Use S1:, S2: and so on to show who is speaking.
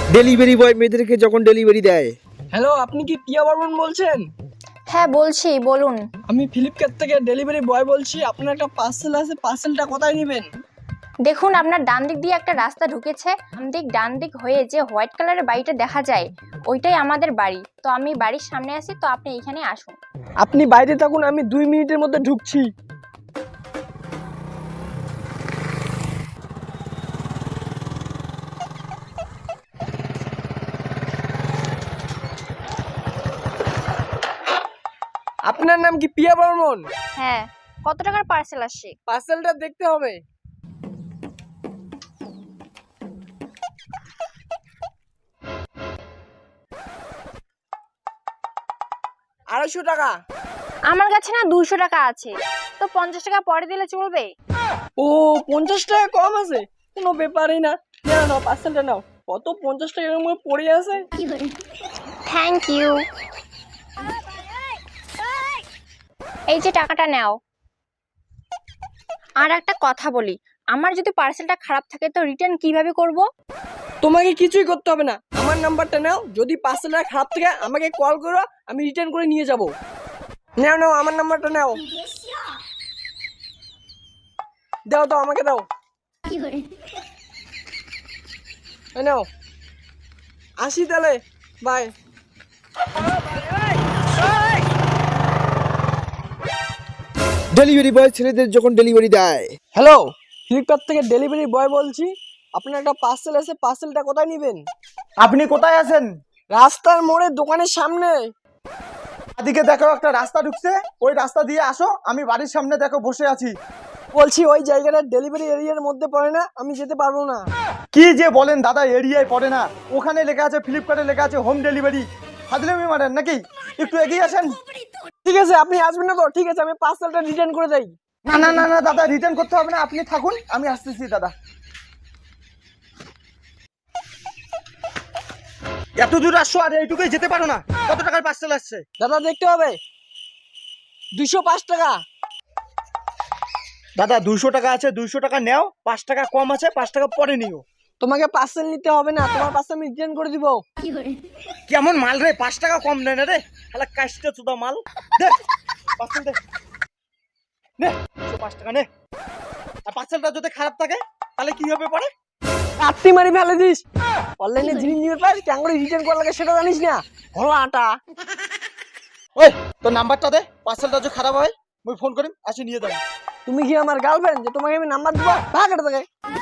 S1: Delivery boy মেয়েদেরকে যখন delivery দেয়।
S2: হ্যালো, আপনি কি পিয়া বর্মন বলছেন?
S3: হ্যাঁ বলছি, বলুন।
S2: আমি ফ্লিপকার্ট থেকে ডেলিভারি বয় বলছি। আপনার একটা পার্সেল আছে, পার্সেলটা কোথায় নেবেন?
S3: দেখুন, আপনার ডান দিক দিয়ে একটা রাস্তা ঢুকেছে, ডান দিক হয়ে যে হোয়াইট কালারের বাড়িটা দেখা যায় ওইটাই আমাদের বাড়ি। তো আমি বাড়ির সামনে আছি, তো আপনি এখানে আসুন।
S2: আপনি বাইরে থাকুন, আমি 2 মিনিটের মধ্যে ঢুকছি। আপনার নাম কি পিয়া বর্মন?
S3: হ্যাঁ, কত টাকার পার্সেল আসছে?
S2: পার্সেলটা দেখতে হবে। $250।
S3: আমার কাছে না 200 টাকা আছে, তো 50 টাকা পরে দিলে চলবে?
S2: ও, 50 টাকা কম আছে, কোনো ব্যাপারই না। নাও নাও, পার্সেলটা নাও। কত 50 টাকা এরকম পড়ে আছে।
S3: Thank you. এই যে টাকাটা নাও। আর একটা কথা বলি, আমার যদি পার্সেলটা খারাপ থাকে তো রিটার্ন কিভাবে করব?
S2: তোমাকে কিছুই করতে হবে না, আমার নাম্বারটা নাও। যদি পার্সেলটা খারাপ থাকে আমাকে কল করো, আমি রিটার্ন করে নিয়ে যাব। নাও নাও, আমার নাম্বারটা নাও। দাও দাও, আমাকে দাও। এই নাও, আসি তাহলে, বাই।
S1: ডেলিভারি বয় ছেলেদের যখন ডেলিভারি দেয়।
S2: হ্যালো, ফ্লিপকার্ট থেকে ডেলিভারি বয় বলছি। আপনার একটা পার্সেল আছে, পার্সেলটা কোথায় নেবেন?
S4: আপনি কোথায় আছেন?
S2: রাস্তার মোড়ে, দোকানের সামনে।
S4: এদিকে দেখো একটা রাস্তা ঢুকছে, ওই রাস্তা দিয়ে আসো। আমি বাড়ির সামনে দেখো বসে আছি।
S2: বলছি ওই জায়গাটা ডেলিভারি এরিয়ার মধ্যে পড়ে না, আমি যেতে পারবো না।
S4: কি যে বলেন দাদা, এরিয়ায় পড়ে না। ওখানে লেখা আছে, ফ্লিপকার্টে লেখা আছে হোম ডেলিভারি। ফাজলামি মারেন নাকি? একটু এগিয়ে আসেন।
S2: ঠিক আছে, আপনি আসবেন না তো? ঠিক আছে, আমি পার্সেলটা রিটার্ন করে দেই।
S4: না না না না দাদা, রিটার্ন করতে হবে না, আপনি থাকুন, আমি আসতেছি দাদা। এত দূর আসছো আর এইটুকুই যেতে পারো না? কত টাকার পার্সেল আসছে?
S2: দাদা দেখতে হবে, 205 টাকা।
S4: দাদা 200 টাকা আছে, 200 টাকা নেও। 5 টাকা কম আছে, 5 টাকা পরে নিও।
S2: তোমাকে পার্সেল নিতে হবে না, তোমার পার্সেল আমি রিটার্ন করে দিব।
S4: কেমন মাল রে, 5 টাকা কম নেয় না রে, শালা কাস্টে চুদা মাল। দে পার্সেল দে, নে 5 টাকা নে। আর পার্সেলটা যদি খারাপ থাকে তাহলে কি হবে পরে?
S2: আপনি মারি ফেলে দিস। অনলাইনে জিনিস নিয়ে পাস, কেন করে রিটার্ন করা লাগে সেটা জানিস না? হলো আটা।
S4: ওই তোর নাম্বারটা দে, পার্সেলটা যদি খারাপ হয় মুই ফোন করিম, আসি নিয়ে যাবো।
S2: তুমি কি আমার গার্লফ্রেন্ড যে তোমাকে আমি নাম্বার দিব? ভাগ এটা থেকে।